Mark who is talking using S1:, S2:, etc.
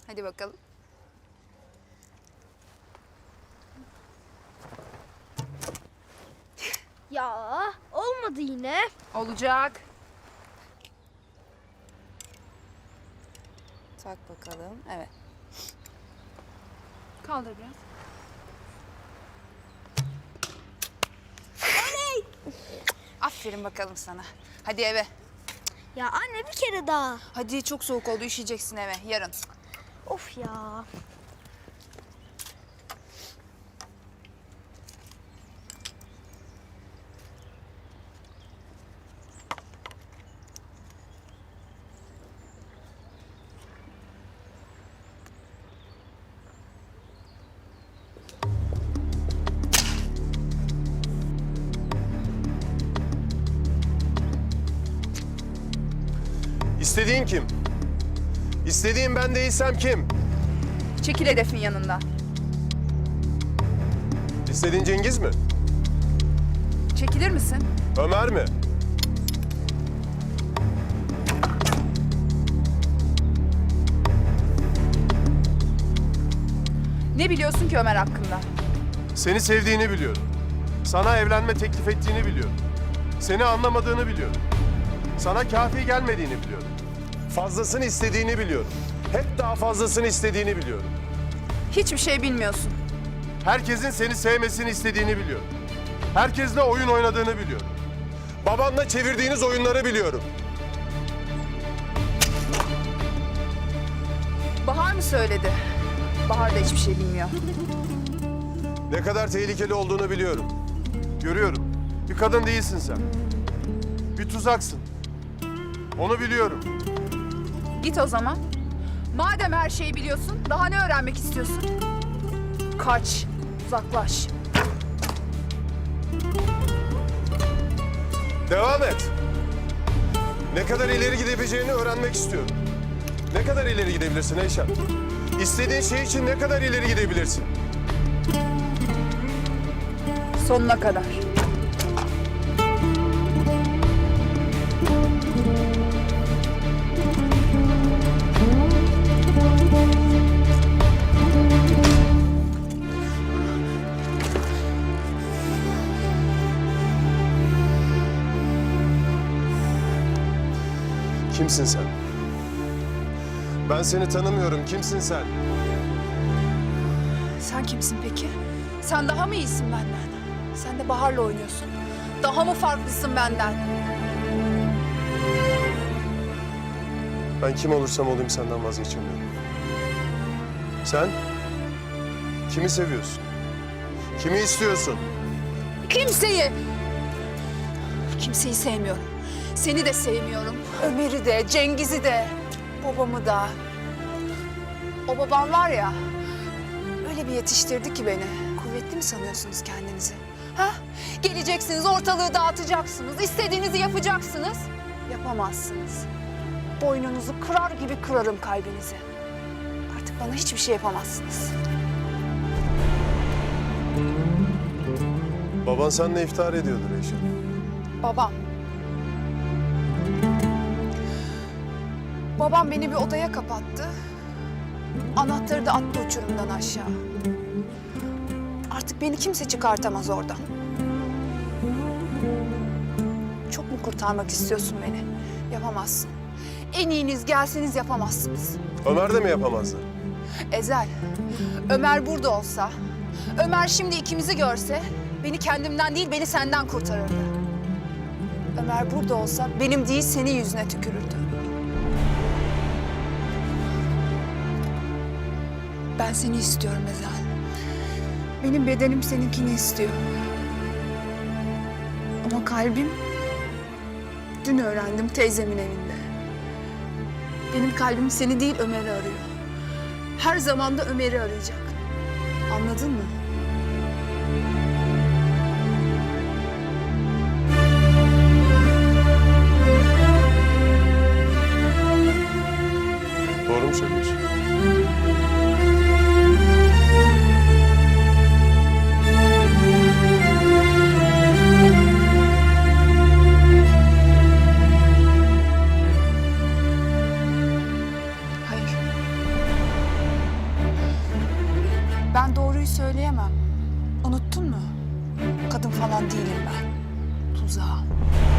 S1: Hadi bakalım.
S2: Ya olmadı yine.
S1: Olacak. Tak bakalım. Evet. Kaldır biraz. Aferin bakalım sana. Hadi eve.
S2: Ya anne bir kere daha.
S1: Hadi çok soğuk oldu, üşüyeceksin eve yarın.
S2: Of ya.
S3: İstediğin kim? İstediğin ben değilsem kim?
S1: Çekil hedefin yanından.
S3: İstediğin Cengiz mi?
S1: Çekilir misin?
S3: Ömer mi?
S1: Ne biliyorsun ki Ömer hakkında?
S3: Seni sevdiğini biliyorum. Sana evlenme teklif ettiğini biliyorum. Seni anlamadığını biliyorum. Sana kafi gelmediğini biliyorum. Fazlasını istediğini biliyorum. Hep daha fazlasını istediğini biliyorum.
S1: Hiçbir şey bilmiyorsun.
S3: Herkesin seni sevmesini istediğini biliyorum. Herkesle oyun oynadığını biliyorum. Babanla çevirdiğiniz oyunları biliyorum.
S1: Bahar mı söyledi? Bahar da hiçbir şey bilmiyor.
S3: Ne kadar tehlikeli olduğunu biliyorum. Görüyorum. Bir kadın değilsin sen. Bir tuzaksın. Onu biliyorum.
S1: Git o zaman. Madem her şeyi biliyorsun, daha ne öğrenmek istiyorsun? Kaç, uzaklaş.
S3: Devam et. Ne kadar ileri gidebileceğini öğrenmek istiyorum. Ne kadar ileri gidebilirsin Eyşan? İstediğin şey için ne kadar ileri gidebilirsin?
S1: Sonuna kadar.
S3: Kimsin sen? Ben seni tanımıyorum. Kimsin sen?
S1: Sen kimsin peki? Sen daha mı iyisin benden? Sen de Bahar'la oynuyorsun. Daha mı farklısın benden?
S3: Ben kim olursam olayım senden vazgeçemiyorum. Sen? Kimi seviyorsun? Kimi istiyorsun?
S1: Kimseyi! Kimseyi sevmiyorum. Seni de sevmiyorum. Ömer'i de, Cengiz'i de, babamı da. O babam var ya, öyle bir yetiştirdi ki beni. Kuvvetli mi sanıyorsunuz kendinizi? Ha? Geleceksiniz, ortalığı dağıtacaksınız, istediğinizi yapacaksınız. Yapamazsınız. Boynunuzu kırar gibi kırarım kalbinizi. Artık bana hiçbir şey yapamazsınız.
S3: Baban seninle iftihar ediyordur Eyşan.
S1: Babam. Babam beni bir odaya kapattı. Anahtarı da attı uçurumdan aşağı. Artık beni kimse çıkartamaz oradan. Çok mu kurtarmak istiyorsun beni? Yapamazsın. En iyiniz gelseniz yapamazsınız.
S3: Ömer de mi yapamazdı?
S1: Ezel, Ömer burada olsa, Ömer şimdi ikimizi görse beni kendimden değil beni senden kurtarırdı. Ömer burada olsa benim değil senin yüzüne tükürürdü. Ben seni istiyorum Ezel. Benim bedenim seninkini istiyor. Ama kalbim dün öğrendim teyzemin evinde. Benim kalbim seni değil Ömer'i arıyor. Her zaman da Ömer'i arayacak. Anladın mı?
S3: Doğru mu söylüyorsun?
S1: Hayır. Ben doğruyu söyleyemem. Unuttun mu? Kadın falan değilim ben. Tuzağım.